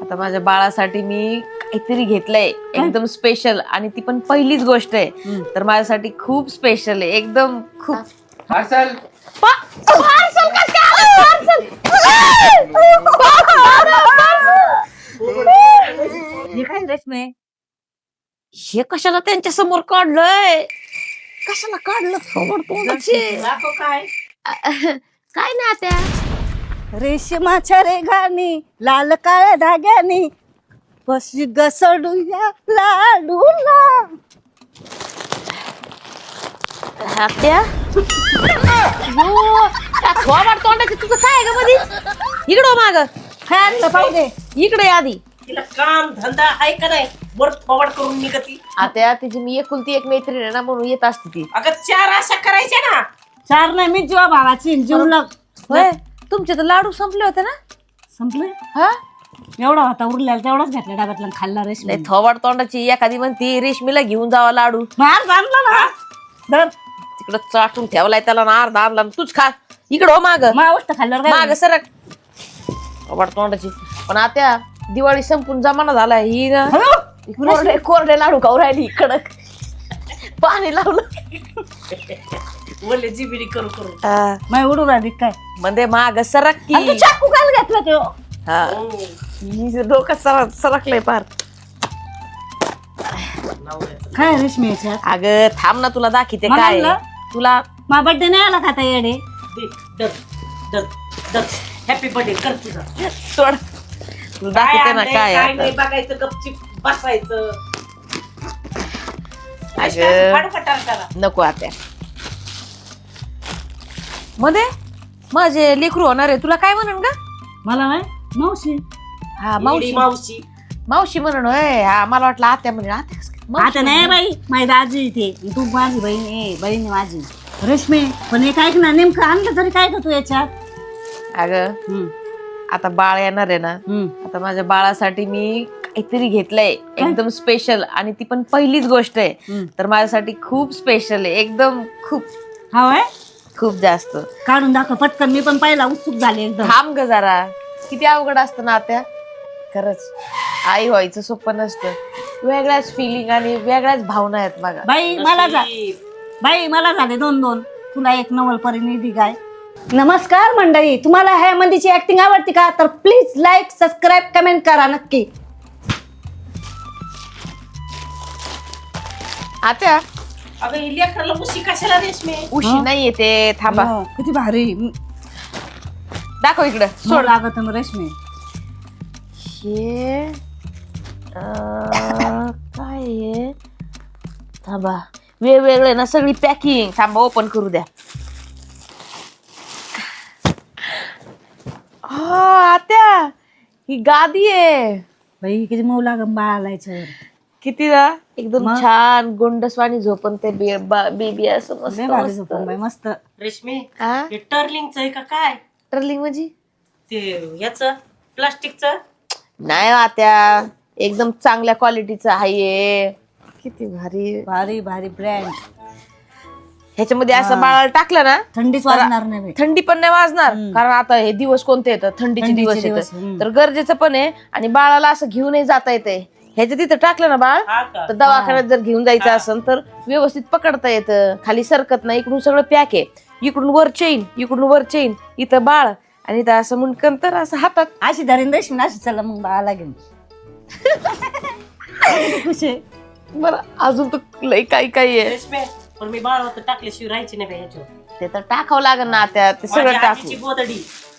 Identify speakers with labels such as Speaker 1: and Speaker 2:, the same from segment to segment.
Speaker 1: आता माझ्या बाळासाठी मी काहीतरी घेतलंय एकदम स्पेशल आणि ती पण पहिलीच गोष्ट आहे तर माझ्यासाठी खूप स्पेशल आहे एकदम खूप
Speaker 2: पार्सल
Speaker 1: पार्सल
Speaker 3: हे काय रेशमे?
Speaker 1: हे कशाला त्यांच्या समोर काढलंय कशाला काढलं समोर तोंडाचे
Speaker 3: काय
Speaker 1: काय ना त्या
Speaker 3: रेशमाच्या रेघानी लाल काळ्या धाग्यानी बशी घसडूया लाडूला.
Speaker 1: आत्या थोबाड तोंडाचे तुझं काय आहे का मध्ये इकडं माग
Speaker 3: काय आणलं पाहू दे.
Speaker 1: इकडे आधी
Speaker 4: तिला काम धंदा आहे का नाही वर थोबाड करून निघती.
Speaker 1: आता तिची मी एकुलती एक मैत्रीण आहे ना म्हणून येत असते ती
Speaker 4: अगं 4 आशा करायच्या ना.
Speaker 3: चार नाही मी जीवा भावाची जीवलग
Speaker 1: होय तुमचे तर लाडू संपले होते ना
Speaker 3: संपले.
Speaker 1: हा
Speaker 3: एवढा होता उरलेला तेवढाच घेतला डब्यातला आणि खाल्ला रेशमी.
Speaker 1: नाही थोबाड तोंडाची एखादी म्हणती रेशमीला घेऊन जावा लाडू
Speaker 3: मार आणला ना धर
Speaker 1: तिकडं चाटून ठेवलाय त्याला ना अर्धा आणला ना तूच खा इकडं हो माग
Speaker 3: मावष्ट खाल्ल्यावर
Speaker 1: माग
Speaker 3: काय
Speaker 1: सरक थोबाड तोंडाची पण आता दिवाळी संपून जमाना झाला ही ना कोरडे कोरडे लाडू खाऊ राहिली कडक पाणी लावलं
Speaker 4: बोलले जिबिरी करू करू.
Speaker 1: हा.
Speaker 3: माय उडू राहिली काय
Speaker 1: म्हणजे माग सरक
Speaker 3: आणि तू
Speaker 1: की
Speaker 3: चाकू काल घेतला तो.
Speaker 1: हा ही डोकं सरकलंय पार
Speaker 3: काय रेशमी याच्यात
Speaker 1: अगं थांब ना तुला दाखवते
Speaker 3: मला
Speaker 1: काय
Speaker 3: आणलं?
Speaker 1: तुला
Speaker 3: मा बर्थडे नाही आला खाता येडे.
Speaker 4: दे, डर डर डर हॅपी बर्थडे कर तुझा.
Speaker 1: सोड तुला
Speaker 4: काय
Speaker 1: दाखवते ना
Speaker 4: आणलंय,
Speaker 1: काय
Speaker 4: काय
Speaker 1: आता.
Speaker 4: नाही बघायचं गपचिप बसायचं.
Speaker 1: अगं
Speaker 4: फाडफटार करा.
Speaker 1: नको आता मध्ये माझे लेकरू होणार आहे तुला काय म्हणन ग
Speaker 3: मला नाही मावशी
Speaker 1: हा
Speaker 4: येडी
Speaker 1: मावशी
Speaker 4: मावशी
Speaker 1: मावशी म्हणून होय हा मला वाटलं आत्या म्हणून आत्या कसं काय? मावशी
Speaker 3: आता नाही
Speaker 1: म्हणून.
Speaker 3: बाई माझी दाजी इथे तू माझी बहीण आहे बहीण आहे माझी रेशमी. पण एक ऐक ना नेमकं आणलं तरी काय का तू याच्यात.
Speaker 1: अगं
Speaker 3: हम्म,
Speaker 1: आता बाळ येणार आहे ना
Speaker 3: हम्म.
Speaker 1: आता माझ्या बाळासाठी मी काहीतरी घेतलंय एकदम स्पेशल आणि ती पण पहिलीच गोष्ट आहे
Speaker 3: हम्म.
Speaker 1: तर माझ्यासाठी खूप स्पेशल आहे एकदम खूप
Speaker 3: हा वय
Speaker 1: खूप जास्त
Speaker 3: काढून दाखव पटकन. मी पण पहिला उत्सुक झाले एकदम.
Speaker 1: थांब ग जरा किती अवघड असतं ना आता खरंच आई व्हायचं सोपं नसतं वेगळ्याच फिलिंग आणि वेगळ्याच भावना आहेत बघा
Speaker 3: बाई मला बाई मला झाले 2-2 तुला एक नवल परिनिधी काय. नमस्कार मंडळी, तुम्हाला ह्या मंदीची ऍक्टिंग आवडते का तर प्लीज लाईक सबस्क्राईब कमेंट करा नक्की.
Speaker 1: आता
Speaker 4: अगं ही लेकराला मुशी कशाला रेशमे.
Speaker 1: उशी नाही येते थांबा
Speaker 3: हो, किती भारी
Speaker 1: दाखव इकडं
Speaker 3: सोड
Speaker 1: सोड
Speaker 3: लागत मग रेशमी.
Speaker 1: हे काय आहे थांबा वेगवेगळे ना सगळी पॅकिंग थांबा ओपन करू द्या आत्या ही गादी आहे
Speaker 3: बाई किती मऊ लागन बाळाला याच्यावर.
Speaker 1: किती ना एकदम
Speaker 3: मग?
Speaker 1: छान गोंडस्वानी झोपन ते बेबी असं मस्त
Speaker 3: लय भारी
Speaker 1: मस्त.
Speaker 3: झोपून बाई मस्त.
Speaker 4: रेशमे
Speaker 1: हा?
Speaker 4: हे टर्लिंगचं आहे का काय
Speaker 1: ट्रलिंग म्हणजे
Speaker 4: ते याचं प्लास्टिकचं.
Speaker 1: नाही आत्या एकदम चांगल्या क्वालिटीचं आहे किती भारी
Speaker 3: भारी भारी ब्रँड.
Speaker 1: ह्याच्यामध्ये असं बाळाला टाकलं ना
Speaker 3: थंडीच वाजणार नाही बाई.
Speaker 1: थंडी पण नाही वाजणार कारण आता हे दिवस कोणते येतात थंडीचे दिवस
Speaker 3: दिवस,
Speaker 1: येतात तर गरजेचं पण आहे आणि बाळाला असं घेऊनही जाता येते ह्याच्या तिथं टाकलं ना बाळ
Speaker 4: हा का
Speaker 1: तर दवाखान्यात जर घेऊन जायचं असेल तर व्यवस्थित पकडता येतं खाली सरकत नाही इकडून सगळं पॅक आहे इकडून वर चेन इथं बाळ आणि इथं असं मुंडकन तर असं हातात
Speaker 3: अशी धरीन रेशमी अशी चला मग बाळाला घेऊन. खुशी आहे.
Speaker 1: बरं अजून तर लई काही आहे
Speaker 4: रेशमे पण मी बाळावर टाकल्याशिवाय राहायची नाही बाई ह्याच्यावर.
Speaker 1: ते तर टाकावं लागेल ना त्या ते सगळं
Speaker 4: माझ्या
Speaker 1: टाकू
Speaker 4: आजीची गोदडी.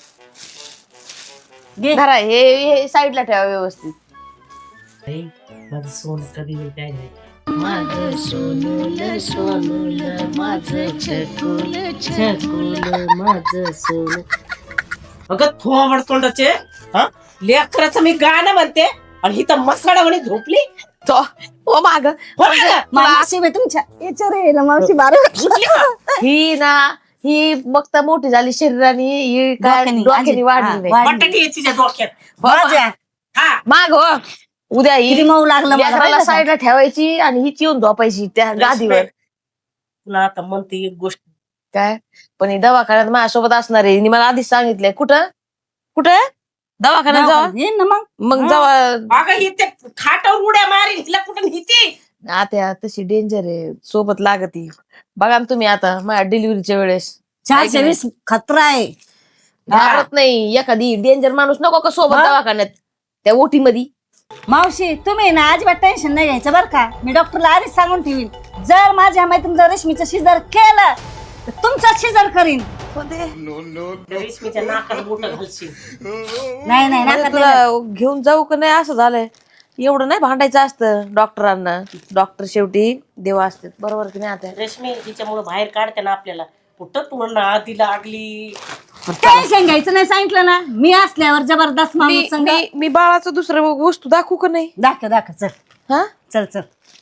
Speaker 3: घे
Speaker 1: धरा हे साईडला ठेवा व्यवस्थित
Speaker 4: बाई, माझं सोन कधी होईल काय नाही.
Speaker 3: माझं सोनूल सोनूल माझं छकुल
Speaker 4: छकुल माझं सोन. अगं थोबड तोंडाचे हा लेकराचं मी गाणं म्हणते आणि ही तर मसाडा म्हणे झोपली.
Speaker 1: तो ओ माग
Speaker 3: मावशी बाई तुमच्या याच्यावर येईल मावशी बारा
Speaker 1: ही ना ही मग तर मोठी झाली शरीराने ही काय
Speaker 3: डोक्यानी,
Speaker 1: डोक्यानी
Speaker 3: आजी,
Speaker 1: वाढली
Speaker 3: हा,
Speaker 1: नाही
Speaker 3: वाढली.
Speaker 4: बटाटी आहे तिच्या डोक्यात.
Speaker 1: हो,
Speaker 3: माझ्या
Speaker 4: हा
Speaker 1: माग हो उद्या
Speaker 3: किती
Speaker 1: ही
Speaker 3: मऊ लागलं मला
Speaker 1: लेकराला
Speaker 3: पाहिलं का?
Speaker 1: साईडला ठेवायची आणि ही चिवून झोपायची त्या गादीवर
Speaker 4: तुला आता म्हणते एक गोष्ट.
Speaker 1: काय पण ही दवाखान्यात माझ्यासोबत असणार आहे हिने मला आधीच सांगितलंय कुठं दवाखान्यात जावा
Speaker 3: येईन ना मग.
Speaker 1: मग जावा.
Speaker 4: अगं ही ते खाटावर उड्या मारीन हिला कुठं हिती.
Speaker 1: आता तशी डेंजर आहे, सोबत लागती. बघा ना तुम्ही आता माझ्या डिलिव्हरीच्या वेळेस
Speaker 3: 420 खतरा आहे.
Speaker 1: घाबरत नाही. एखादी डेंजर माणूस नको का सोबत दवाखान्यात त्या ओटी मध्ये.
Speaker 3: मावशी तुम्ही ना अजिबात टेन्शन नाही घ्यायचं बरं का. मी डॉक्टरला आधीच सांगून ठेवीन, जर माझ्या मैत्रीण जर रेशमीचं शिजर केलं तर तुमचं शिजर करीन.
Speaker 4: रेशमीच्या नाकात बोट घालशील.
Speaker 3: नाही नाही
Speaker 1: म्हणजे
Speaker 3: नाकात
Speaker 1: तुला घेऊन जाऊ का नाही असं झालंय. एवढं नाही भांडायचं असतं डॉक्टरांना. डॉक्टर शेवटी देव असतात, बरोबर की नाही. आता
Speaker 4: रेशमी हिच्यामुळे बाहेर काढते ना आपल्याला. कुठं तुला आधी लागली.
Speaker 3: टेन्शन घ्यायचं नाही सांगितलं ना. मी असल्यावर जबरदस्त माणूस संग.
Speaker 1: मी बाळाचं दुसरं वस्तू दाखवू का नाही.
Speaker 3: दाखव दाखव चल.
Speaker 1: हा
Speaker 3: चल चल.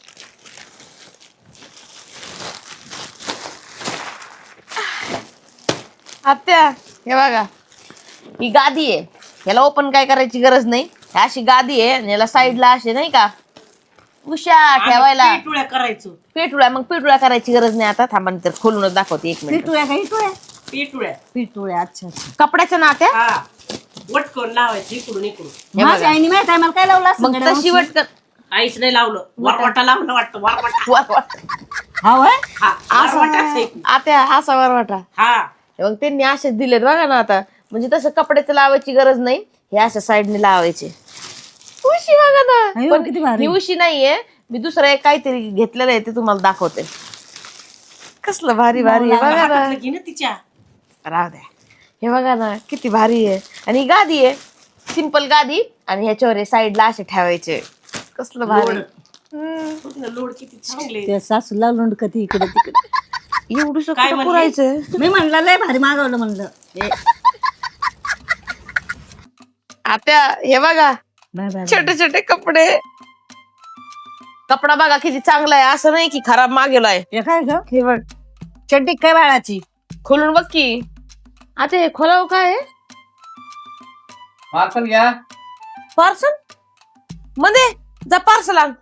Speaker 1: आत्या हे बघा, ही गादी आहे. याला ओपन काय करायची गरज नाही. अशी गादी आहे आणि याला साईडला असे नाही का उशा ठेवायला
Speaker 4: पिटुळ्या करायचो.
Speaker 1: पिटुळ्या. मग पिटुळ्या करायची गरज नाही. आता थांबा तर खोलूनच दाखवते 1 मिनिट.
Speaker 3: पिटुळ्या का इटुळ्या?
Speaker 4: पिटुळ्या.
Speaker 3: पिटुळ्या. अच्छा अच्छा.
Speaker 1: कपड्याच्या नात्या.
Speaker 4: हा वटकन लावायची इकडून इकडून.
Speaker 1: हे
Speaker 3: माझ्या
Speaker 1: बघा.
Speaker 3: आईने माहित आहे मला काय लावलं असं
Speaker 1: मग
Speaker 3: गड्या
Speaker 1: तशी
Speaker 3: मावशी?
Speaker 1: वटकन
Speaker 4: आईच नाही लावलं. वरवाटा लावलं वाटतं. वरवाटा.
Speaker 3: हा होय?
Speaker 4: हा वरवाटाच आहे.
Speaker 1: आत्या असा वरवाटा.
Speaker 4: हा
Speaker 1: मग त्यांनी असेच दिलेत बघा ना आता. म्हणजे तसं कपड्याचं लावायची गरज नाही. हे अशा साईडने लावायचे. उशी बघा ना.
Speaker 3: अयो,
Speaker 1: पण
Speaker 3: किती भारी.
Speaker 1: ही उशी नाहीये. मी दुसरं एक काहीतरी घेतलेलं आहे ते तुम्हाला दाखवते. कसलं भारी भारी आहे बघा ना.
Speaker 4: हातातलं घे ना तिच्या.
Speaker 1: राहू द्या. हे बघा ना किती भारी आहे. आणि ही गादी आहे, सिंपल गादी. आणि ह्याच्यावर साईडला असे ठेवायचे. कसलं भारी.
Speaker 4: लोड किती चांगले.
Speaker 3: त्या सासूला लोंड कधी इकडे तिकडे.
Speaker 1: एवढं
Speaker 4: काय
Speaker 1: सगळं
Speaker 4: म्हणली?
Speaker 1: पुरायचं.
Speaker 3: मी म्हणलं लय भारी मागवलं म्हणलं.
Speaker 1: आता हे बघा
Speaker 3: बाय बाय.
Speaker 1: छोटे छोटे कपडे. कपडा बघा किती चांगला आहे. असं नाही की खराब मागेलाय.
Speaker 3: हे काय ग?
Speaker 1: हे बघ
Speaker 3: चड्डी काय बाळाची?
Speaker 1: खोलून बघ की. आता हे खोलाव काय
Speaker 2: पार्सल घ्या.
Speaker 1: पार्सल मध्ये जा पार्सल आण.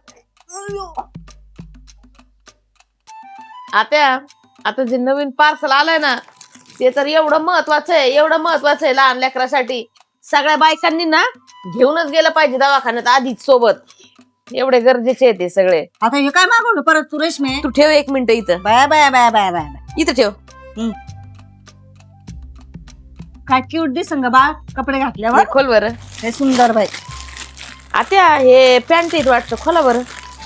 Speaker 1: आता जे नवीन पार्सल आलंय ना ते तर एवढं महत्वाचं आहे. एवढं महत्वाचं आहे लहान लेकरासाठी. सगळ्या बायकांनी ना घेऊनच गेलं पाहिजे दवाखान्यात आधीच सोबत. एवढे गरजेचे आहे ते सगळे.
Speaker 3: आता हे काय मागवलं परत तू रेशमे?
Speaker 1: तू ठेव 1 मिनिट इथं.
Speaker 3: Bye bye bye bye bye bye.
Speaker 1: इथं ठेव.
Speaker 3: काय क्यूट दिसन ग बाळ कपडे
Speaker 1: हे
Speaker 3: घातल्यावर.
Speaker 1: खोल बरं.
Speaker 3: हे सुंदर बाई.
Speaker 1: आता हे पॅन्ट येत वाटतं. खोला बरं.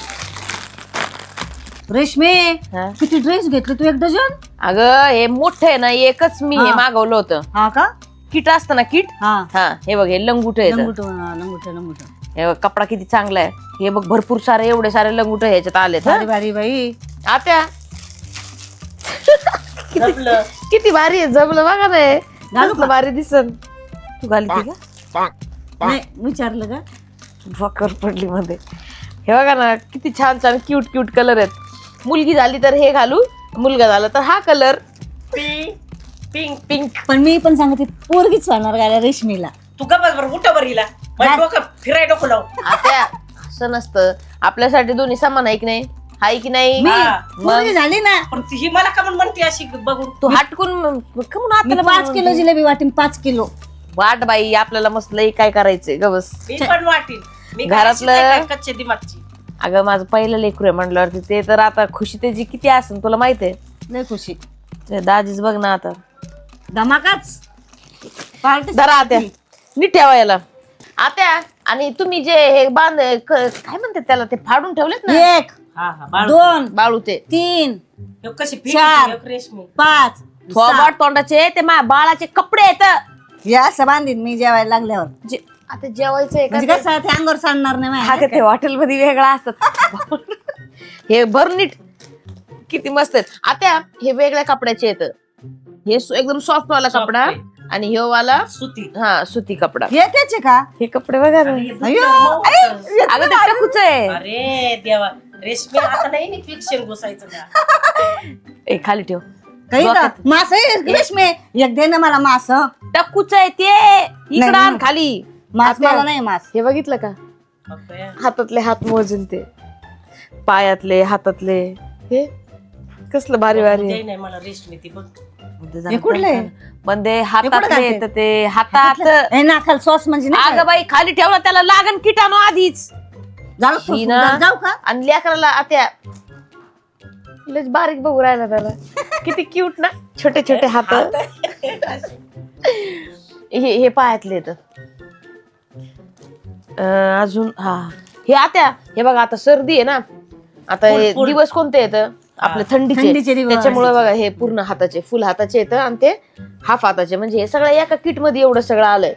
Speaker 3: रेशमे
Speaker 1: हा.
Speaker 3: किती ड्रेस घेतले तू? 1 डझन?
Speaker 1: अगं हे मोठं आहे ना. एकच मी हे
Speaker 3: हा.
Speaker 1: मागवलं होतं.
Speaker 3: हा का?
Speaker 1: किट असतं ना किट.
Speaker 3: हा.
Speaker 1: हा हे बघ हे लंगुट आहे.
Speaker 3: लंगुट लंगुट लंगुट.
Speaker 1: हे बघ कपडा किती चांगला आहे. हे बघ भरपूर सारे एवढे सारे लंगुट ह्याच्यात आलेत.
Speaker 3: भारी भारी बाई.
Speaker 1: आता
Speaker 4: जमलं.
Speaker 1: किती भारी आहे. जमलं बघा ना हे.
Speaker 3: घालू
Speaker 1: कसलं भारी दिसन. तू घालती का.
Speaker 3: नाही विचारलं का?
Speaker 1: भकर पडली मध्ये. हे बघा ना किती छान छान क्यूट क्यूट कलर आहेत. मुलगी झाली तर हे घालू, मुलगा झाला तर हा कलर.
Speaker 4: Pink
Speaker 1: pink.
Speaker 3: पण मी पण सांगते पोरगीच वाढणार गाड्या रेशमीला.
Speaker 4: तू गप्पा बरं उठा बरं हिला. माझं डोकं फिराय डोकं लाव.
Speaker 1: आता असं नसतं. आपल्यासाठी दोन्ही समान आहे की नाही. हाय की नाही.
Speaker 3: मी
Speaker 4: हा.
Speaker 3: पोरगी झाली ना.
Speaker 4: पण ही मला का म्हणते अशी बघून.
Speaker 1: तू हटकून कमून
Speaker 3: मी 5 किलो जिलेबी वाटीन. 5 किलो.
Speaker 1: वाट बाई आपल्याला मस्त लई काय करायचंय गवस.
Speaker 4: मी पण वाटीन. मी
Speaker 1: घरातलं-
Speaker 4: घरातलं कच्चे दिमागची.
Speaker 1: अगं माझं पहिलं लेकरू आहे म्हणल्यावरती ते तर आता खुशी त्याची किती असेल तुला माहित आहे.
Speaker 3: लय खुशी.
Speaker 1: ते दाजीच बघ ना आता.
Speaker 3: धमाकाच. पार्टी
Speaker 1: जरा आत्या नीट ठेवा याला. आत्या आणि तुम्ही जे हे काय म्हणतात त्याला ते फाडून ठेवलेत ना
Speaker 3: 1
Speaker 4: हा हा बाळ.
Speaker 3: 2
Speaker 1: बाळू ते
Speaker 3: 3
Speaker 4: हे कशी
Speaker 3: 4
Speaker 4: फिरते रेशमी.
Speaker 3: 5
Speaker 1: थोबाड तोंडाचे ते माझ्या बाळाचे कपडे आहेत.
Speaker 3: या असं बांधीन मी जेवायला लागल्यावर.
Speaker 1: आता जेवायचंय का
Speaker 3: म्हणजे कसं ते अंगावर सांडणार नाही
Speaker 1: हा
Speaker 3: माझ्या.
Speaker 1: का ते हॉटेल मध्ये वेगळा असतात. हे भर नीट किती मस्त आहेत. आता हे वेगळ्या कपड्याचे येत. हे एकदम सॉफ्ट वाला
Speaker 4: Soft
Speaker 1: कपडा
Speaker 4: आहे.
Speaker 1: आणि हे वाला
Speaker 4: सुती.
Speaker 1: हा सुती कपडा.
Speaker 3: हे त्याचे का?
Speaker 1: हे कपडे बघा ना.
Speaker 3: अयो
Speaker 1: अगं ते टकूच आहे.
Speaker 4: अरे देवा रेशमी आता नाही इन्फेक्शन घुसायचं का.
Speaker 1: ए खाली ठेव.
Speaker 3: काही का
Speaker 1: डोक्यात.
Speaker 3: मास आहे रेशमे. एक दे ना मला मास.
Speaker 1: टकूच आहे ते. इकडं
Speaker 3: नाही.
Speaker 1: आण खाली.
Speaker 3: मास
Speaker 1: आता-
Speaker 3: मला नाही मास.
Speaker 1: हे बघितलं का
Speaker 4: बघतोय.
Speaker 1: हातातले हात मोजून ते पायातले हातातले हे कसलं भारी भारी
Speaker 4: ते नाही मला रेशमी ती बघ.
Speaker 3: हे कुठले?
Speaker 1: मध्ये
Speaker 3: कुठं
Speaker 1: हातात
Speaker 3: घालते?
Speaker 1: येतं ते हातात.
Speaker 3: हे नाकाल सॉस म्हणजे नाही
Speaker 1: अगं बाई खाली ठेवलं त्याला लागन किटाणू आधीच.
Speaker 3: का? जाऊ
Speaker 1: ही ना.
Speaker 3: जाऊ का
Speaker 1: आणि लेकराला आत्या लयच बारीक बघू राहिला त्याला. किती क्यूट ना, छोटे छोटे हात. हे पायातले तर अजून हा हे आत्या हे बघा आता सर्दी आहे ना, आता हे
Speaker 4: फुल.
Speaker 1: दिवस कोणते येत आपले
Speaker 3: थंडीचे
Speaker 1: थंडीचे,
Speaker 3: दिवस.
Speaker 1: त्याच्यामुळे बघा हे पूर्ण हाताचे फुल हाताचे येतं आणि ते हाफ हाताचे, म्हणजे हे सगळं एका किट मध्ये एवढं सगळं आलंय.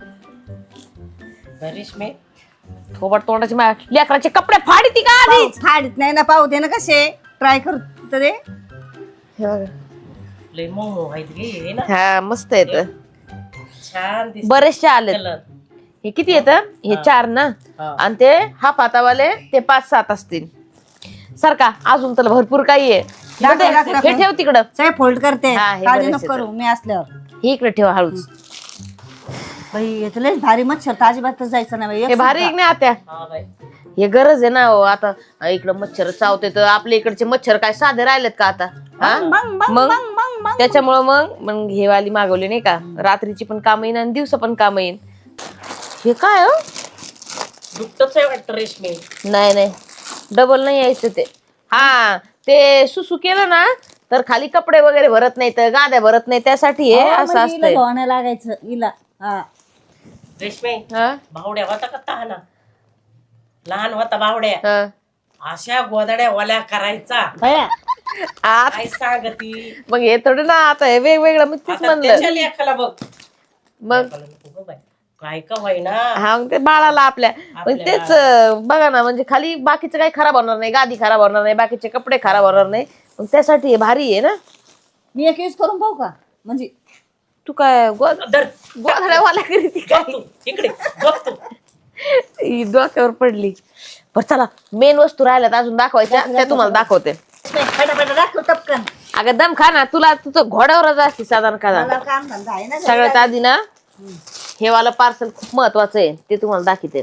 Speaker 4: रेशमी
Speaker 1: थोबड तोंडाचे लेकराचे कपडे फाडती का आधीच.
Speaker 3: फाडीत नाही ना, पाहू दे ना कसे ट्राय करत रे.
Speaker 1: हे बघा.
Speaker 4: लय मऊ आहेत गे हे ना,
Speaker 1: हा मस्त येत,
Speaker 4: छान दिसत
Speaker 1: बरेचसे आलेत.
Speaker 4: कलर.
Speaker 1: हे किती येतं, हे 4 ना,
Speaker 4: हा.
Speaker 1: आणि ते हाफ हातावाले ते 5-7 असतील. सारखा अजून तर भरपूर काही आहे.
Speaker 3: दाखव, दाखव,
Speaker 1: हे
Speaker 3: दाखव.
Speaker 1: ठेव तिकडं,
Speaker 3: सगळे फोल्ड करते,
Speaker 1: हा, हे
Speaker 3: काळजी
Speaker 1: बरेच
Speaker 3: नको करू मी असल्यावर.
Speaker 1: हे इकडे ठेव हळूच.
Speaker 3: बाई येत लयच भारी मच्छर, तर अजिबातच जायचं नाही बाई.
Speaker 1: हे भारी आहे की नाही आत्या,
Speaker 4: हा बाई
Speaker 1: हे गरज आहे ना हो. आता इकडं मच्छर चावते तर आपल्या इकडचे मच्छर काय साधे राहिलेत का आता, हा? मग त्याच्यामुळं मग हे वाली मागवली नाही का, रात्रीची पण काम येईन आणि दिवसा पण काम येईन. हे काय हो,
Speaker 4: दुपटच आहे वाटतं रेशमी.
Speaker 1: नाही डबल नाही यायचं ते. हा ते सुसू केलं ना तर खाली कपडे वगैरे भरत नाही, तर गाद्या भरत नाही, त्यासाठी हे असं असतंय.
Speaker 3: धुवायला लागायचं हिला. हा
Speaker 4: रेशमी
Speaker 1: हा?
Speaker 4: भावड्या होता का तहाना, लहान होता भावड्या,
Speaker 1: हा.
Speaker 4: अशा गोदड्या ओल्या करायचा.
Speaker 3: बया
Speaker 4: काय सांगती
Speaker 1: मग हे थोडं ना, आता हे वेगवेगळं मी तेच
Speaker 4: आता
Speaker 1: म्हणलं.
Speaker 4: त्याच्या लेखाला बघ.
Speaker 1: मग
Speaker 4: लेकाला नको गं बाई. काय का होईना
Speaker 1: हा मग ते बाळाला आपल्या मग तेच बघा ना, म्हणजे खाली बाकीचं काही खराब होणार नाही, गादी खराब होणार नाही, बाकीचे कपडे खराब होणार नाही, मग त्यासाठी हे भारी आहे ना.
Speaker 3: मी एक यूज करून पाहू का, म्हणजे
Speaker 1: तू काय
Speaker 4: धर
Speaker 1: गोधड्यावाला करीती काय,
Speaker 4: बघ तू इकडे बघ तू.
Speaker 1: ही डोक्यावर पडली. बरं चला, मेन वस्तू राहिल्यात अजून दाखवायच्या, त्या तुम्हाला दाखवते.
Speaker 3: फटाफट दाखव टपकन.
Speaker 1: अगं दम खा ना, तुला तुझं घोड्यावरच असते साधारण का.
Speaker 3: मला काम धंदा आहे ना.
Speaker 1: सगळ्यात आधी ना हे वाला पार्सल खूप महत्वाचं आहे, ते तुम्हाला दाखवते.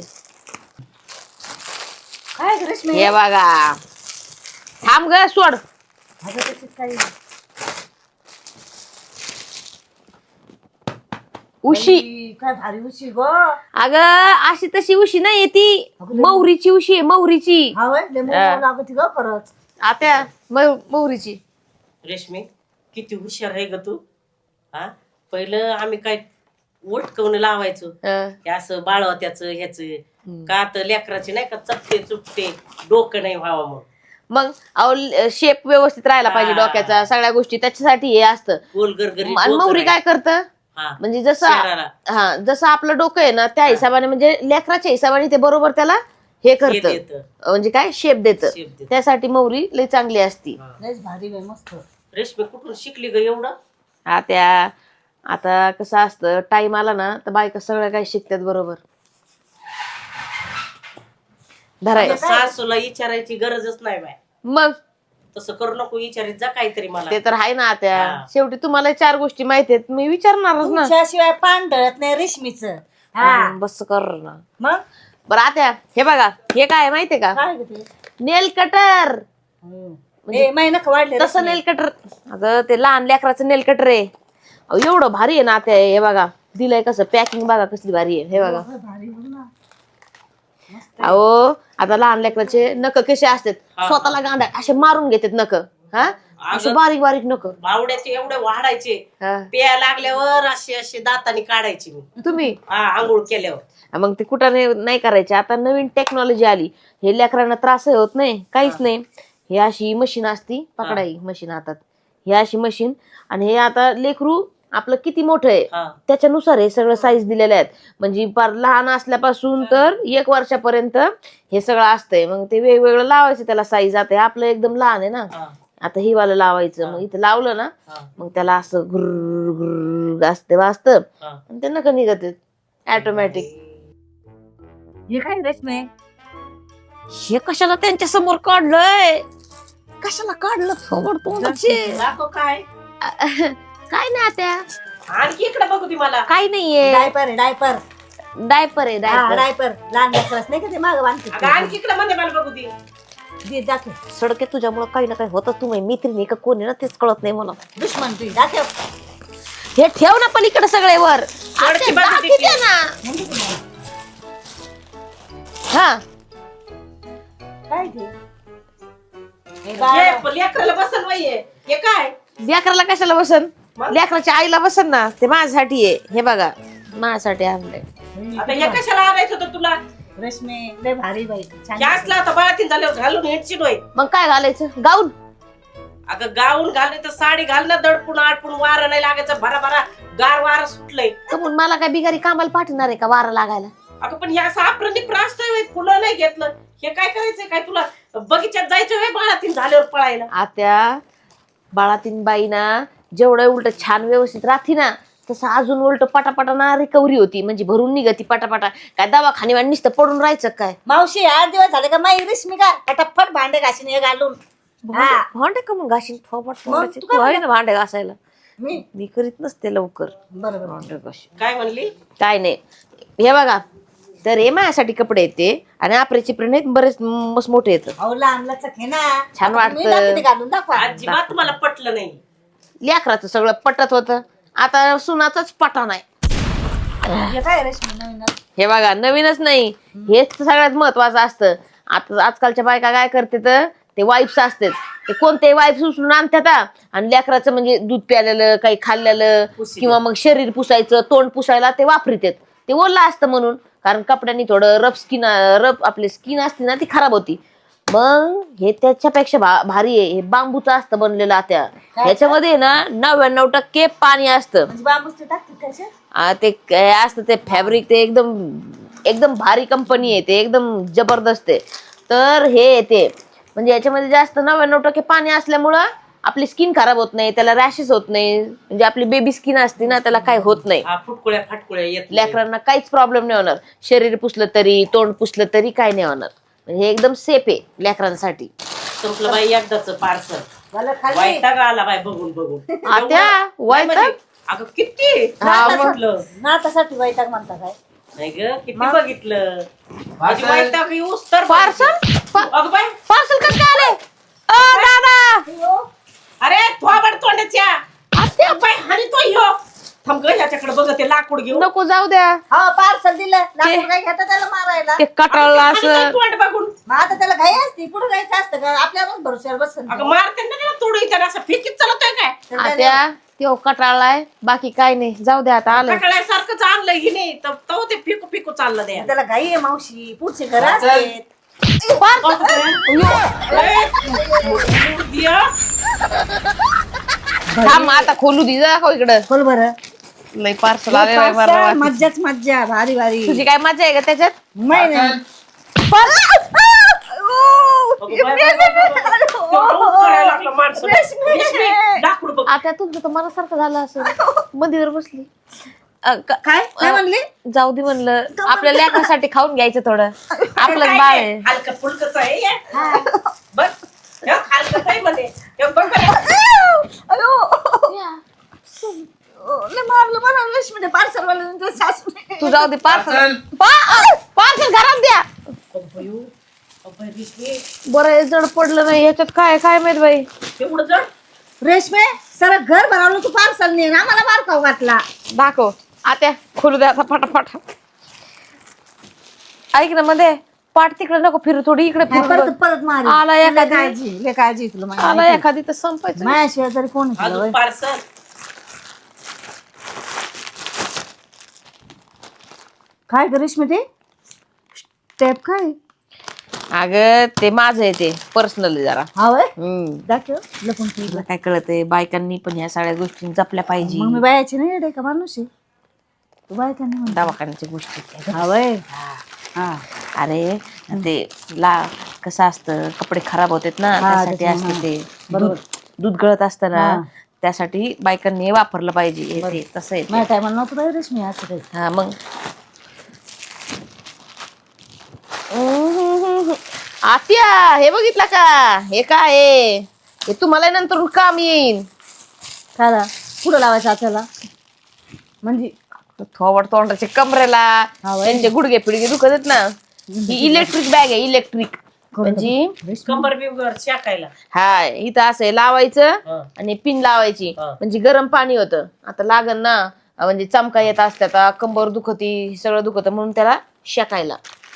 Speaker 3: काय ग रेश्मी?
Speaker 1: हे बघा, थांब ग सोड.
Speaker 3: अगं त्याच्यात काही
Speaker 1: उशी,
Speaker 3: बाई, काय भारी उशी गो.
Speaker 1: अगं अशी तशी उशी नाही ती, मौरीची उशी आहे, मौरीची.
Speaker 3: हा वय लय मोठं लागत ग खरंच.
Speaker 1: आत्या मौरीची.
Speaker 4: रेशमी किती हुशार आहे ग तू. हा पहिलं आम्ही काय वटकवून लावायचो, हे असं बाळवत्याच ह्याच का, तर लेकराचे नाही का चपटे चुपटे डोकं नाही व्हावं. मग
Speaker 1: मग शेप व्यवस्थित राहायला पाहिजे डोक्याचा, सगळ्या गोष्टी त्याच्यासाठी हे असतं.
Speaker 4: गोल गरगरी
Speaker 1: आणि मौरी काय करतं, म्हणजे जसं जसं आपलं डोकं आहे ना, त्या हिशोबाने म्हणजे लेकराच्या हिशोबाने ते बरोबर त्याला हे करतं, म्हणजे काय शेप देतं. त्यासाठी मौरी लई चांगली असती.
Speaker 3: लयच भारी बाई, मस्त.
Speaker 4: रेशमी कुठून शिकली ग एवढं.
Speaker 1: आता कसं असतं, टाइम आला ना तर बायका सगळं काही शिकतात बरोबर. धराय
Speaker 4: सासूला विचारायची गरजच नाही बाय.
Speaker 1: मग
Speaker 4: तसं करू नको, विचारित जा काहीतरी मला.
Speaker 1: ते तर आहे ना आत्या, शेवटी तुम्हाला 4 गोष्टी माहिती आहेत, मी विचारणारच ना.
Speaker 3: तुमच्याशिवाय पान ढळत नाही रेशमीच.
Speaker 1: बस कर ना.
Speaker 3: मग
Speaker 1: बरं आत्या, हे बघा, हे काय माहितीये का,
Speaker 3: काय ग ते?
Speaker 1: Nail cutter.
Speaker 3: महिना वाढले
Speaker 1: तसं नेल कटर, अगं ते लहान लेकराचं नेल कटर आहे. अहो, एवढं भारी आहे ना आत्या, हे बघा दिलंय कसं, पॅकिंग बघा कसली भारी आहे. हे बघा, अहो आता लहान लेकराचे नख कसे असतात, स्वतःला गांधा असे मारून घेतात नख. हा असे बारीक बारीक नख.
Speaker 4: बावड्याचे एवढे वाढायचे, प्या लागल्यावर असे असे दाताने काढायचे मी.
Speaker 1: तुम्ही
Speaker 4: आंघोळ केल्यावर.
Speaker 1: मग ते कुठं नाही करायचे. आता नवीन टेक्नॉलॉजी आली, हे लेकरांना त्रास होत नाही, काहीच नाही. हे अशी मशीन असती, पकडाई मशीन हातात, हे अशी मशीन. आणि हे आता लेकरू आपलं किती मोठं आहे त्याच्यानुसार हे सगळं साईज दिलेले आहेत, म्हणजे फार लहान असल्यापासून तर 1 वर्षापर्यंत हे सगळं असतंय. मग ते वेगवेगळं लावायचं त्याला साईज. आता आपलं एकदम लहान आहे ना, आता ही वाला लावायचं. मग इथं लावलं ना, मग त्याला असं घुर घुर असते वाजतं आणि ते नका निघत ऑटोमॅटिक.
Speaker 3: हे काय रेशमी?
Speaker 1: हे कशाला त्यांच्या समोर काढलंय, कशाला काढलं समोर तोंडाचे?
Speaker 4: काय
Speaker 1: काय नाही त्या,
Speaker 4: आणखी इकडे बघू ती मला.
Speaker 1: काही नाहीये,
Speaker 3: डायपर आहे डायपर.
Speaker 1: डायपर आहे डायपर.
Speaker 3: डायपर लहान लेकरच नाही का ते मागं बांधते.
Speaker 4: आणखी इकडे मध्ये मला बघू ती.
Speaker 3: दे दाखव.
Speaker 1: सडके तुझ्यामुळे काही ना काही होतं. तुम्ही मैत्रिणी का कोणी ना तेच कळत नाही मला.
Speaker 3: दुश्मन तुझी दाखव.
Speaker 1: हे ठेव ना पलीकडे सगळे वर.
Speaker 4: सडकी बाजू
Speaker 1: दाखी
Speaker 4: देखील.
Speaker 1: दे ना. हा
Speaker 3: काय ते हे
Speaker 4: हे
Speaker 3: बाळा.
Speaker 4: लेकराला बसल बाई हे काय
Speaker 1: लेकराला कशाला बसन?
Speaker 4: मग?
Speaker 1: लेकराच्या आईला बसन ना. ते माझ्यासाठी आहे. हे बघा माझ्यासाठी आणलंय.
Speaker 4: आता हे कशाला आणायचं होतं तुला
Speaker 3: रेशमे लय भारी बाई छान.
Speaker 4: हे असला आता बाळातीन झाल्यावर घालून हेडशीट होय.
Speaker 1: मग काय घालायचं? गाऊन.
Speaker 4: अगं गाऊन घालले तर साडी घाल ना दडपून आडपून वारं नाही लागायचं भरा भरा गार वारं सुटलंय.
Speaker 1: कमून मला काय बिगारी कामाला पाठवणार आहे का वारा लागायला?
Speaker 4: अगं पण हे असं आपण प्रास्त फुलं नाही घेतलं हे काय करायचंय काय तुला बगीच्यात जायचं होय बाळातीन झाल्यावर पळायला.
Speaker 1: आत्या बाळातीन बाई ना जेवढं उलट छान व्यवस्थित राहती ना तसं अजून उलट पटापटा ना रिकव्हरी होती. म्हणजे भरून निघती पटापटा. काय दवाखाने नुसतं पडून राहायचं काय?
Speaker 3: मावशी 8 दिवस झाले का माई रेशमी का फटाफट भांडे घासीन हे घालून. हा.
Speaker 1: भांडे का मग घाशीन थोपट
Speaker 3: मग
Speaker 1: तोंडाचे.
Speaker 3: तू
Speaker 1: तू
Speaker 3: काय
Speaker 1: आहे ना भांडे घासायला.
Speaker 3: मी
Speaker 1: मी करीत नसते लवकर
Speaker 3: बरोबर.
Speaker 1: भांडे घाशी.
Speaker 4: काय म्हणली
Speaker 1: काय नाही. हे बघा तर हे माझ्यासाठी कपडे येते आणि आपल्याचे प्रिंट आहेत बरेच मस्त मोठे येतं.
Speaker 3: अहो लहान लचक हे ना
Speaker 1: छान
Speaker 3: आता तुम्ही
Speaker 1: वाटतं.
Speaker 3: दाखवते घालून दाखवा.
Speaker 4: अजिबात तुम्हाला पटलं नाही.
Speaker 1: लेकराचं सगळं पटत होतं. आता सुनाचाच पटा नाही.
Speaker 3: हे काय रेशमी नवीन
Speaker 1: हे बघा नवीनच नाही. हेच तर सगळ्यात महत्वाचं असतं. आता आजकालच्या बायका काय करते तर ते वाईप्स असतात. ते कोणते वाईप्स उचलून आणतात आणि लेकराचं म्हणजे दूध प्यालेलं काही खाल्लेलं
Speaker 4: पुसीलं.
Speaker 1: किंवा मग शरीर पुसायचं तोंड पुसायला ते वापरतात. ते ओलं असतं म्हणून. कारण कपड्यांनी थोडं रफ आपली स्किन असते ना ती खराब होती. मग हे त्याच्यापेक्षा भारी आहे. हे बांबूचं असतं बनलेलं आत्या. ह्याच्यामध्ये ना 99% पाणी असतं.
Speaker 3: म्हणजे बांबूचे टाकते कशा.
Speaker 1: ते काय असतं ते फॅब्रिक ते एकदम एकदम भारी कंपनी आहे. ते एकदम जबरदस्त आहे. तर हे येते म्हणजे याच्यामध्ये जास्त 99% पाणी असल्यामुळं आपली स्किन खराब होत नाही. त्याला रॅशेस होत नाही. म्हणजे आपली बेबी स्किन असते ना त्याला काही होत नाही.
Speaker 4: हा फुटकुळ्या फाटकुळ्या येत नाही.
Speaker 1: लेकरांना काहीच प्रॉब्लेम नाही होणार. शरीर पुसलं तरी तोंड पुसलं तरी काही नाही होणार. म्हणजे हे एकदम सेफ आहे लेकरांसाठी.
Speaker 4: संपलं बाई एकदाच पार्सल
Speaker 3: मला खाली
Speaker 4: वैताग आला बाई बघून बघून.
Speaker 1: आत्या
Speaker 4: नाही
Speaker 1: वैताग?
Speaker 4: म्हणजे, अगं किती
Speaker 1: हा, मग.
Speaker 4: म्हटलं
Speaker 3: नातासाठी वैताग म्हणता काय.
Speaker 4: नाही ग किती बघितलं माझी वैताग येऊस तर
Speaker 1: पार्सल
Speaker 4: अगं बाई
Speaker 1: पार्सल कसं काय आलंय? दादा
Speaker 4: अरे थोबड तोंडाच्या आत्या बाई हानी तो ह्यो थांब ग ह्याच्याकडे बघ ते लाकूड घेऊन
Speaker 1: नको जाऊ द्या.
Speaker 3: हा पार्सल दिलं लाकूड काय घेता त्याला मारायला.
Speaker 1: ते कटाळला
Speaker 4: आणि काय
Speaker 1: असं.
Speaker 4: तोंड बघून
Speaker 3: मग आता त्याला घाई असते पुढे जायचं असतं का आपल्यावरच भरोश्यावर बसन.
Speaker 4: अगं मारते ना त्याला तोडू त्याला असं फिकीत चालतोय काय
Speaker 1: आत्या तो कटाळलाय बाकी काय नाही. जाऊ द्या आता आलं.
Speaker 4: कटाळ्यासारखंच आणलंय की नाही तर तो ते फिकू फिकू चाललं द्या
Speaker 3: त्याला घाई आहे मावशी पुढचे घर असते.
Speaker 1: थांब आता खोलू दे जा इकडं.
Speaker 3: खोल बरं.
Speaker 1: लय पार्सल आले बाई मला.
Speaker 3: मज्जाच मज्जा भारी भारी.
Speaker 1: तुझी काय मजा आहे का त्याच्यात?
Speaker 3: नाही नाही.
Speaker 4: लाकूड बघ
Speaker 1: आता तुमचं तर मनासारखं झालं असं. मंदिर बसली.
Speaker 3: काय काय म्हणले.
Speaker 1: जाऊ दे म्हणलं आपल्या लेकरासाठी खाऊन घ्यायचं थोडं. आपलंच बाळ आहे.
Speaker 4: हलकं फुलकच आहे हे. बघ हे हलकंच आहे म्हणे हे बघ बरं.
Speaker 3: लय मारलं मला रेशमी पार्सल वाला सासू.
Speaker 1: तू जाऊ दे पार्सल पार्सल घरात द्या.
Speaker 4: अब्बयू, अब्बय रेशमी,
Speaker 1: बरं हे जड पडलं नाही ह्याच्यात काय काय माहित बाई.
Speaker 4: एवढं जड
Speaker 3: रेशमे सर घर भरवलं तू पार्सल ने ना मला बार खाऊ घातला.
Speaker 1: दाखव आत्या खोलू द्या आता फटाफट. ऐक ना मध्ये पाठ तिकडे नको फिरू थोडी इकडे फिरू
Speaker 3: परत
Speaker 1: बघ.
Speaker 3: परत मार.
Speaker 1: आला एखादी.
Speaker 3: लय काळजी तुला माझी.
Speaker 1: आला एखादी तर संपायचं.
Speaker 3: माझ्याशिवाय तरी कोण आहे तुला,
Speaker 4: अजून
Speaker 3: होय?
Speaker 4: पार्सल
Speaker 3: काय ग रेशमी ते स्टेप काय.
Speaker 1: अगं ते माझं आहे ते पर्सनल जरा.
Speaker 3: हा होय
Speaker 1: हम्म.
Speaker 3: दाखव लपून ठेव.
Speaker 1: तुला काय कळतंय बायकांनी पण ह्या सगळ्या गोष्टी जपल्या पाहिजे.
Speaker 3: मग मी बायाची नाही येडे का माणूस आहे तू बायकांनी म्हणता.
Speaker 1: दवाखान्याच्या गोष्टी.
Speaker 3: हा होय हा
Speaker 1: अरे ते कसं असतं कपडे खराब होतात ना त्यासाठी असतं ते. दूध गळत असतं ना त्यासाठी बायकांनी वापरलं पाहिजे. हे ते तसं आहे ते.
Speaker 3: माझ्या टायमाला नव्हतं बाई रेशमी असं काही.
Speaker 1: हा मग आत्या हे बघितलं का हे काय आहे? हे तुम्हाला नंतर काम येईन.
Speaker 3: खाला पुढं लावायचं आपल्याला म्हणजे
Speaker 1: थोबड तोंडाचे कमरेला
Speaker 3: हा, वय.
Speaker 1: त्यांचे गुडघे पिडगे दुखत आहेत ना. ही इलेक्ट्रिक बॅग आहे इलेक्ट्रिक. म्हणजे
Speaker 4: कंबर बिंबर शाकायला.
Speaker 1: हा इथं असं आहे, लावायचं
Speaker 4: हा.
Speaker 1: आणि पिन लावायची.
Speaker 4: हा.
Speaker 1: म्हणजे गरम पाणी होतं. आता लागन ना म्हणजे चमका येत असतात, कंबर दुखती, सगळं दुखत, म्हणून त्याला शेकायला.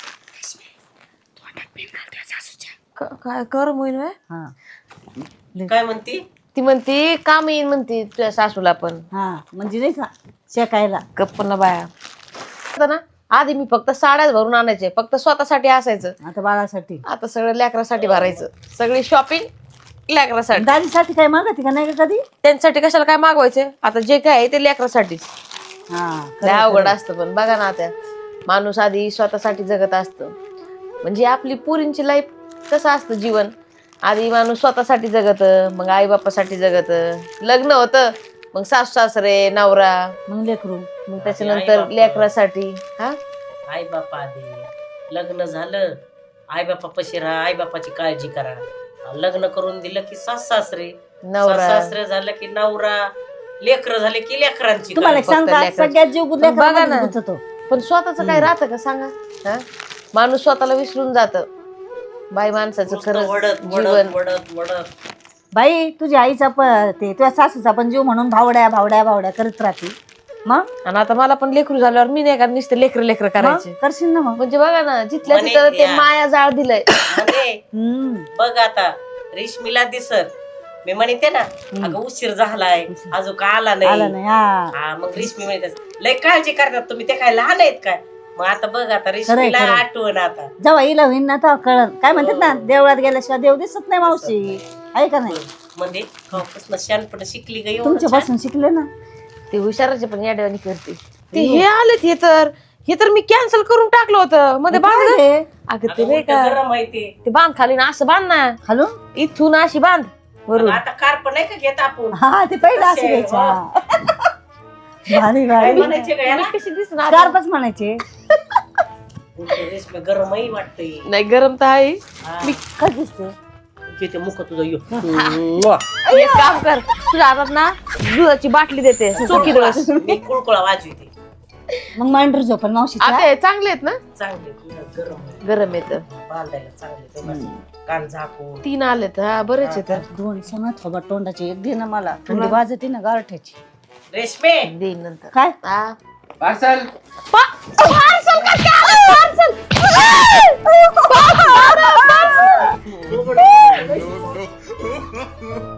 Speaker 1: काय कर मोहीन व्हय?
Speaker 3: हा
Speaker 4: काय म्हणती?
Speaker 1: ती म्हणती काम येईन म्हणती तुझ्या सासूला पण.
Speaker 3: हा म्हणजे नाही का शेकायला.
Speaker 1: गप्प ना बाया. आता ना आधी मी फक्त साड्याच भरून आणायचे, फक्त स्वतःसाठी असायचं.
Speaker 3: आता बाळासाठी
Speaker 1: आता सगळं लेकरासाठी भरायचं, सगळी शॉपिंग लेकरासाठी.
Speaker 3: दादीसाठी काय मागते का नाही का कधी?
Speaker 1: त्यांच्यासाठी कशाला काय मागवायचे, आता जे काय आहे ते लेकरासाठीच.
Speaker 3: हा
Speaker 1: लय अवघड असतं. पण बघा ना आता माणूस आधी स्वतःसाठी जगत असतं. म्हणजे आपली पुरींची लाईफ कसं असतं जीवन, आधी माणूस स्वतःसाठी जगत, मग आई बापासाठी जगत, लग्न होतं, मग सासू सासरे, नवरा,
Speaker 3: मग लेकरू,
Speaker 1: मग त्याच्यानंतर लेकरासाठी. हा
Speaker 4: आई बापा आधी लग्न झालं, आई बापा पशी राहा, आई बापाची काळजी करा. लग्न करून दिलं की सास सासरे,
Speaker 1: नवरा.
Speaker 4: सासरे झालं की नवरा, लेकर झाले की लेकरांची
Speaker 3: तुम्हाला एक
Speaker 4: काळजी.
Speaker 3: सांग का
Speaker 1: लेकराची.
Speaker 3: सगळ्यात जीव
Speaker 1: पण बघा ना.
Speaker 3: लेकरामध्येच गुंततो.
Speaker 1: पण स्वतःच काय राहतं का सांगा? हा माणूस स्वतःला विसरून जात. बाई माणसाचं
Speaker 4: नुसतं
Speaker 1: खरं
Speaker 4: वडत
Speaker 1: जीवन.
Speaker 4: वडत वडत वडत.
Speaker 3: बाई तुझ्या आईचा ते तुझ्या सासूचा पण जीव म्हणून भावड्या भावड्या भावड्या करत राहते. मग
Speaker 1: आणि आता मला पण लेकरू झाल्यावर मी नाही का नुसतं लेकर लेकर करायचे.
Speaker 3: करशील ना मग.
Speaker 1: म्हणजे बघा ना जिथल्या
Speaker 4: म्हणे
Speaker 1: तिथं ते
Speaker 4: या.
Speaker 1: माया जाळ दिलंय.
Speaker 4: म्हणे,
Speaker 3: हम्म.
Speaker 4: बघ आता रेशमीला दिसत, मी म्हणते ना अगं उशीर झालाय अजून का आला
Speaker 3: आला
Speaker 4: नाही.
Speaker 3: नाही हा
Speaker 4: हा मग रेशमी म्हणते लय काळजी करतात तुम्ही, ते काय लहान आहेत काय? मग आता बघ आता रेशमीला
Speaker 3: खरंय.
Speaker 4: आठवण आता.
Speaker 3: जेव्हा येईल होईन ना तेव्हा कळत. काय म्हणतात ना देवळात गेल्याशिवाय देव दिसत नाही मावशी, आहे का नाही?
Speaker 4: म्हणजे कवापासून शहाणपण शिकली ग एवढं
Speaker 3: तुमच्या
Speaker 4: छान.
Speaker 3: पासून शिकले ना.
Speaker 1: ते हुशाराचे पण याड्यावानी करते. ते हे आलेत हे तर मी कॅन्सल करून टाकलं होतं मध्ये बांध.
Speaker 3: काय रे?
Speaker 1: अगं ते
Speaker 4: अगं
Speaker 1: नाही
Speaker 4: उलटं
Speaker 1: का
Speaker 4: गरम आहे ते.
Speaker 1: ते बांध खाली ना असं बांध ना,
Speaker 3: खालून
Speaker 1: इथून अशी बांध वरून.
Speaker 4: आता कार्प नाही का घेत आपण?
Speaker 3: हा ते पहिलं असं
Speaker 4: तसे,
Speaker 3: घ्यायचं. भारी
Speaker 4: काय
Speaker 3: भारी
Speaker 4: म्हणायचे का याला?
Speaker 1: कशी दिसणार?
Speaker 3: स्कार्फच म्हणायचे.
Speaker 4: उलटं रेशमी गरमही वाटतंय.
Speaker 1: नाही गरम तर आहे.
Speaker 4: हा.
Speaker 3: काय दिसते
Speaker 4: घेते मुख तुझं यो.
Speaker 1: एक काम कर, तुझ्या हातात ना दुधाची बाटली देते, चोखी दिवस.
Speaker 4: मी कुळकुळा वाजविते.
Speaker 3: मग मांडर झोपल मावशी.
Speaker 1: आता हे चांगले आहेत ना,
Speaker 4: चांगले गरम आहे.
Speaker 1: गरम येत.
Speaker 4: बांधायला चांगले तेव्हा कान झाकून.
Speaker 1: 3 आलेत. हा बरेच येत.
Speaker 3: दोन सण थोबा तोंडाचे एक दे ना मला, थंडी वाजते ना गारठ्याची.
Speaker 4: रेशमे
Speaker 1: देईन नंतर.
Speaker 3: काय
Speaker 1: हा
Speaker 2: पार्सल
Speaker 1: पार्सल का काय? पार्सल